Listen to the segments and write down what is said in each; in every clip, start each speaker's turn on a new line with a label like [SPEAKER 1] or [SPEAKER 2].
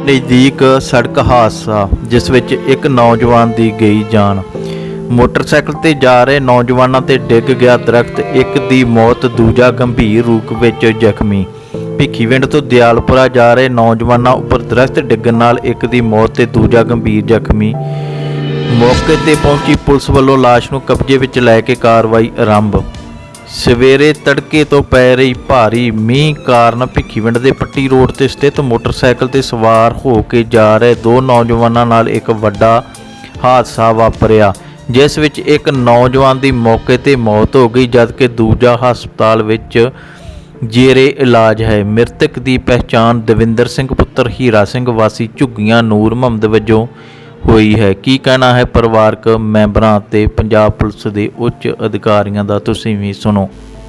[SPEAKER 1] नज़दीक सड़क हादसा जिस विच एक नौजवान दी गई जान। मोटरसाइकिल ते जा रहे नौजवानों ते डिग गया दरख्त, एक दी मौत, दूजा गंभीर रूप विच जख्मी। ਭਿੱਖੀਵਿੰਡ ਤੋਂ ਦਿਆਲਪੁਰਾ ਜਾ ਰਹੇ ਨੌਜਵਾਨਾਂ ਉੱਪਰ ਦਰਖਤ ਡਿੱਗਣ ਨਾਲ ਇੱਕ ਦੀ ਮੌਤ ਤੇ ਦੂਜਾ ਗੰਭੀਰ ਜ਼ਖਮੀ। ਮੌਕੇ ਤੇ ਪਹੁੰਚੀ ਪੁਲਿਸ ਵੱਲੋਂ ਲਾਸ਼ ਨੂੰ ਕਬਜ਼ੇ ਵਿੱਚ ਲੈ ਕੇ ਕਾਰਵਾਈ ਆਰੰਭ। ਸਵੇਰੇ ਤੜਕੇ ਤੋਂ ਪੈ ਰਹੀ ਭਾਰੀ ਮੀਂਹ ਕਾਰਨ ਭਿੱਖੀਵਿੰਡ ਦੇ ਪੱਟੀ ਰੋਡ ਤੇ ਸਥਿਤ ਮੋਟਰਸਾਈਕਲ ਤੇ ਸਵਾਰ ਹੋ ਕੇ ਜਾ ਰਹੇ ਦੋ ਨੌਜਵਾਨਾਂ ਨਾਲ ਇੱਕ ਵੱਡਾ ਹਾਦਸਾ ਵਾਪਰਿਆ, ਜਿਸ ਵਿੱਚ ਇੱਕ ਨੌਜਵਾਨ ਦੀ ਮੌਕੇ ਤੇ ਮੌਤ ਹੋ ਗਈ ਜਦਕਿ ਦੂਜਾ ਹਸਪਤਾਲ ਵਿੱਚ ਜੇਰੇ ਇਲਾਜ ਹੈ। ਮ੍ਰਿਤਕ ਦੀ ਪਹਿਚਾਣ ਦਵਿੰਦਰ ਸਿੰਘ ਪੁੱਤਰ ਹੀਰਾ ਸਿੰਘ ਵਾਸੀ ਝੁੱਗੀਆਂ ਨੂਰ ਮੁਹੰਮਦ ਵਜੋਂ ਹੋਈ ਹੈ। ਕੀ ਕਹਿਣਾ ਹੈ ਪਰਿਵਾਰਕ ਮੈਂਬਰਾਂ ਅਤੇ ਪੰਜਾਬ ਪੁਲਿਸ ਦੇ ਉੱਚ ਅਧਿਕਾਰੀਆਂ ਦਾ, ਤੁਸੀਂ ਵੀ ਸੁਣੋ।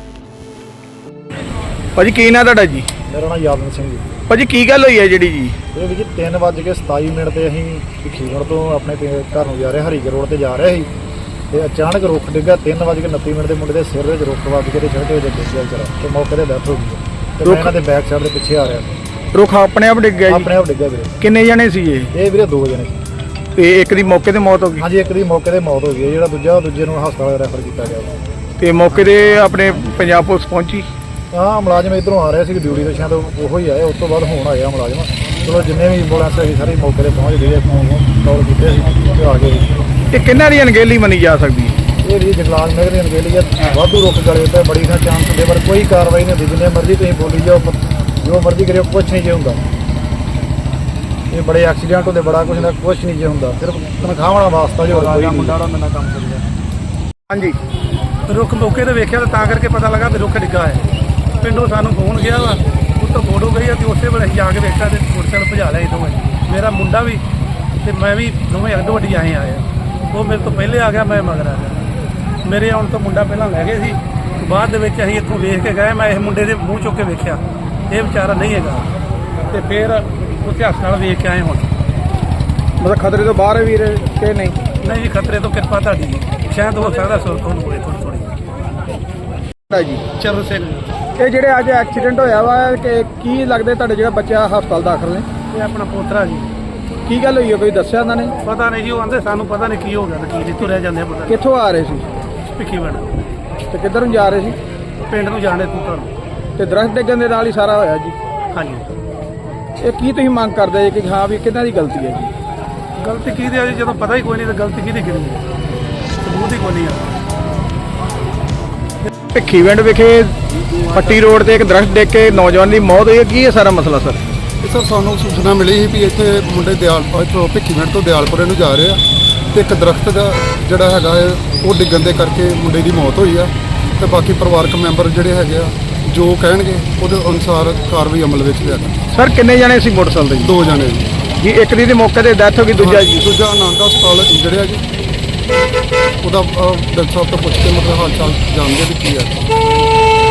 [SPEAKER 2] ਭਾਜੀ ਕੀ ਨਾਂ ਤੁਹਾਡਾ ਜੀ?
[SPEAKER 3] ਮੇਰਾ ਨਾਮ ਯਾਦਵਿੰਦਰ ਸਿੰਘ ਜੀ।
[SPEAKER 2] ਭਾਜੀ ਕੀ ਗੱਲ ਹੋਈ ਹੈ ਜਿਹੜੀ ਜੀ?
[SPEAKER 3] ਇਹ ਵੀ ਜੀ 3:27 ਤੇ ਅਸੀਂ ਭਿੱਖੀਵਿੰਡ ਤੋਂ ਆਪਣੇ ਘਰ ਨੂੰ ਜਾ ਰਹੇ ਹਰੀਕੇ ਰੋਡ ਤੇ ਜਾ ਰਹੇ ਸੀ ਤੇ ਅਚਾਨਕ ਰੁੱਖ ਡਿੱਗਾ। 3:29 ਦੇ ਮੁੰਡੇ ਦੇ ਸਿਰ ਵਿੱਚ ਰੁੱਖ ਵੱਜ ਕੇ ਤੇ ਸੜਕ ਵਿੱਚ ਡਿੱਗਿਆ ਵਿਚਾਰਾ ਤੇ ਮੌਕੇ ਤੇ ਡੈਥ ਹੋ ਗਈ ਤੇ ਮੈਂ ਇਹਨਾਂ ਦੇ ਬੈਕ ਸਾਈਡ ਦੇ ਪਿੱਛੇ ਆ ਰਿਹਾ ਸੀ।
[SPEAKER 2] ਰੁੱਖ ਆਪਣੇ ਆਪ ਡਿੱਗ ਗਿਆ ਜੀ?
[SPEAKER 3] ਆਪਣੇ ਆਪ ਡਿੱਗਾ ਵੀਰੇ।
[SPEAKER 2] ਕਿੰਨੇ ਜਣੇ ਸੀ
[SPEAKER 3] ਇਹ ਵੀਰੇ 2 ਜਣੇ ਸੀ
[SPEAKER 2] ਤੇ ਇੱਕ ਦੀ ਮੌਕੇ ਤੇ ਮੌਤ ਹੋ ਗਈ?
[SPEAKER 3] ਹਾਂਜੀ, ਇੱਕ ਦੀ ਮੌਕੇ ਤੇ ਮੌਤ ਹੋ ਗਈ ਹੈ, ਜਿਹੜਾ ਦੂਜੇ ਨੂੰ ਹਸਪਤਾਲ ਰੈਫਰ ਕੀਤਾ ਗਿਆ।
[SPEAKER 2] ਤੇ ਮੌਕੇ ਤੇ ਆਪਣੇ ਪੰਜਾਬ ਪੁਲਿਸ ਪਹੁੰਚੀ?
[SPEAKER 3] ਹਾਂ, ਮੁਲਾਜ਼ਮ ਇੱਧਰੋਂ ਆ ਰਹੇ ਸੀ ਡਿਊਟੀ ਤੋਂ, ਸ਼ਾਇਦ ਉਹੋ ਹੀ ਆਏ। ਉਸ ਤੋਂ ਬਾਅਦ ਹੁਣ ਆਇਆ ਮੁਲਾਜ਼ਮ। ਚਲੋ ਜਿੰਨੇ ਵੀ ਐਂਬੂਲੈਂਸ ਹੈਗੀ ਸਾਰੇ ਮੌਕੇ ਤੇ ਪਹੁੰਚ ਗਏ, ਕਾਲ ਕੀਤੇ ਸੀ ਤੇ ਆ ਗਏ।
[SPEAKER 2] ਤੇ ਕਿੰਨਾਂ ਦੀ ਅਣਗਹਿਲੀ ਮੰਨੀ ਜਾ ਸਕਦੀ?
[SPEAKER 3] ਇਹ ਵੀ ਜਗਲਾਲ ਨਗਰ ਦੀ ਅਣਗਹਿਲੀ ਹੈ। ਵਾਧੂ ਰੁੱਖ ਗਲੇ ਤੇ ਬੜੀ ਨਾ ਚਾਂਸ ਹੁੰਦੇ, ਪਰ ਕੋਈ ਕਾਰਵਾਈ ਨਹੀਂ ਹੁੰਦੀ। ਜਿੰਨੇ ਮਰਜ਼ੀ ਤੁਸੀਂ ਬੋਲੀ ਜਾਓ, ਜੋ ਮਰਜ਼ੀ ਕਰਿਓ, ਕੁਛ ਨਹੀਂ ਜੇ ਹੁੰਦਾ। ਇਹ ਬੜੇ ਐਕਸੀਡੈਂਟ ਹੁੰਦੇ, ਬੜਾ ਕੁਛ ਨਾ ਕੁਛ ਨਹੀਂ ਜੇ ਹੁੰਦਾ, ਸਿਰਫ ਤਨਖਾਹਾਂ ਵਾਸਤਾ ਜੋ ਕੋਈ ਮੁੰਡਾ ਦਾ ਮੇਰਾ ਕੰਮ ਕਰਦਾ।
[SPEAKER 2] ਹਾਂਜੀ,
[SPEAKER 4] ਰੁੱਖ ਮੌਕੇ ਤੇ ਵੇਖਿਆ ਤਾਂ ਕਰਕੇ ਪਤਾ ਲੱਗਾ ਵੀ ਰੁੱਖ ਡਿੱਗਾ ਹੈ। ਪਿੰਡੋਂ ਸਾਨੂੰ ਫੋਨ ਗਿਆ ਵਾ, ਉੱਤੋਂ ਫੋਟੋ ਗਈ ਆ ਤੇ ਉਸੇ ਵੇਲੇ ਅਸੀਂ ਜਾ ਕੇ ਵੇਖਿਆ ਤੇ ਮੋਟਰਸਾਈਕਲ ਭਜਾ ਲਿਆ ਇੱਥੋਂ। ਮੇਰਾ ਮੁੰਡਾ ਵੀ ਤੇ ਮੈਂ ਵੀ ਦੋਵੇਂ ਅੱਡੋ ਅੱਡੀ ਆਏ ਆ। ਉਹ ਮੇਰੇ ਤੋਂ ਪਹਿਲੇ ਆ ਗਿਆ, ਮੈਂ ਮਗਰ ਆ ਗਿਆ। ਮੇਰੇ ਆਉਣ ਤੋਂ ਮੁੰਡਾ ਪਹਿਲਾਂ ਲੈ ਗਏ ਸੀ, ਬਾਅਦ ਦੇ ਵਿੱਚ ਅਸੀਂ ਇੱਥੋਂ ਵੇਖ ਕੇ ਗਏ। ਮੈਂ ਇਸ ਮੁੰਡੇ ਦੇ ਮੂੰਹ ਚੁੱਕ ਕੇ ਵੇਖਿਆ ਇਹ ਵਿਚਾਰਾ ਨਹੀਂ ਹੈਗਾ ਤੇ ਫਿਰ ਉੱਥੇ ਹਸਪਤਾਲ ਵੇਖ ਕੇ ਆਏ। ਹੁਣ
[SPEAKER 2] ਮਤਲਬ ਖਤਰੇ ਤੋਂ ਬਾਹਰ ਹੈ ਵੀਰ ਕਿ ਨਹੀਂ?
[SPEAKER 4] ਨਹੀਂ ਜੀ, ਖਤਰੇ ਤੋਂ ਕਿਰਪਾ ਤੁਹਾਡੀ ਜੀ। ਸ਼ਾਇਦ ਹੋ ਸਕਦਾ ਸੁਰਤ ਹੋਣ ਹੋਵੇ ਥੋੜ੍ਹੀ
[SPEAKER 2] ਜੀ
[SPEAKER 4] ਚਰਨ ਸਿੰਘ।
[SPEAKER 2] ਇਹ ਜਿਹੜੇ ਅੱਜ ਐਕਸੀਡੈਂਟ ਹੋਇਆ ਵਾ ਕਿ ਕੀ ਲੱਗਦਾ ਤੁਹਾਡੇ ਜਿਹੜਾ ਬੱਚਾ ਹਸਪਤਾਲ ਦਾਖਲ ਨੇ?
[SPEAKER 4] ਇਹ ਆਪਣਾ ਪੋਤਰਾ ਜੀ।
[SPEAKER 2] ਕੀ ਗੱਲ ਹੋਈ ਹੈ, ਕੋਈ ਦੱਸਿਆ ਉਹਨਾਂ ਨੇ?
[SPEAKER 4] ਪਤਾ ਨਹੀਂ ਜੀ, ਉਹ ਆਂਦੇ ਸਾਨੂੰ ਪਤਾ ਨਹੀਂ ਕੀ ਹੋ ਗਿਆ ਤੇ ਕੀ ਨਹੀਂ, ਤੁਰਿਆ ਜਾਂਦੇ ਪਤਾ
[SPEAKER 2] ਕਿੱਥੋਂ ਆ ਰਹੇ ਸੀ?
[SPEAKER 4] ਭਿੱਖੀਵਿੰਡ
[SPEAKER 2] ਤੇ ਕਿੱਧਰ ਨੂੰ ਜਾ ਰਹੇ ਸੀ?
[SPEAKER 4] ਪਿੰਡ ਨੂੰ ਜਾਣੇ ਤੂੰ ਤੁਹਾਨੂੰ।
[SPEAKER 2] ਤੇ ਦਰਖਤ ਡਿੱਗਣ ਦੇ ਨਾਲ ਹੀ ਸਾਰਾ ਹੋਇਆ ਜੀ?
[SPEAKER 4] ਹਾਂਜੀ।
[SPEAKER 2] ਇਹ ਕੀ ਤੁਸੀਂ ਮੰਗ ਕਰਦੇ ਜੀ ਕਿ ਹਾਂ ਵੀ ਕਿਹਨਾਂ ਦੀ ਗਲਤੀ ਹੈ ਜੀ?
[SPEAKER 4] ਗਲਤੀ ਕਿਹਦੀ ਆ ਜੀ? ਜਦੋਂ ਪਤਾ ਹੀ ਕੋਈ ਨਹੀਂ ਤਾਂ ਗਲਤੀ ਕਿਹਦੀ ਕਿਹਦੀ ਹੈ? ਸਬੂਤ ਹੀ ਕੋਈ ਨਹੀਂ ਆ।
[SPEAKER 2] ਭਿੱਖੀਵਿੰਡ ਵਿਖੇ ਪੱਟੀ ਰੋਡ ਤੇ ਇੱਕ ਦਰਖਤ ਡਿੱਗ ਕੇ ਨੌਜਵਾਨ ਦੀ ਮੌਤ ਹੋਈ ਹੈ। ਕੀ ਇਹ ਸਾਰਾ ਮਸਲਾ ਸਰ?
[SPEAKER 5] ਸਰ, ਸਾਨੂੰ ਸੂਚਨਾ ਮਿਲੀ ਸੀ ਵੀ ਇੱਥੇ ਮੁੰਡੇ ਇੱਥੋਂ ਭਿੱਖੀਵਿੰਡ ਤੋਂ ਦਿਆਲਪੁਰੇ ਨੂੰ ਜਾ ਰਹੇ ਆ ਤੇ ਇੱਕ ਦਰਖਤ ਦਾ ਜਿਹੜਾ ਹੈਗਾ ਹੈ ਉਹ ਡਿੱਗਣ ਦੇ ਕਰਕੇ ਮੁੰਡੇ ਦੀ ਮੌਤ ਹੋਈ ਆ ਤੇ ਬਾਕੀ ਪਰਿਵਾਰਕ ਮੈਂਬਰ ਜਿਹੜੇ ਹੈਗੇ ਆ ਜੋ ਕਹਿਣਗੇ ਉਹਦੇ ਅਨੁਸਾਰ ਕਾਰਵਾਈ ਅਮਲ ਵਿੱਚ ਲਿਆਂਦਾ।
[SPEAKER 2] ਸਰ ਕਿੰਨੇ ਜਣੇ ਸੀ ਮੋਟਰਸਾਈਕਲ ਤੇ?
[SPEAKER 5] 2 ਜਣੇ
[SPEAKER 2] ਜੀ, ਇੱਕ ਦੀ ਮੌਕੇ ਤੇ ਡੈਥ ਹੋ ਗਈ, ਦੂਜਾ ਜੀ?
[SPEAKER 5] ਦੂਜਾ ਆਨੰਦ ਹਸਪਤਾਲ ਇੰਜੜਿਆ ਜੀ। ਉਹਦਾ ਡਾਕਟਰ ਸਾਹਿਬ ਤੋਂ ਪੁੱਛ ਕੇ ਮਤਲਬ ਹਾਲ ਚਾਲ ਜਾਣਦੇ ਵੀ ਕੀ ਹੈ।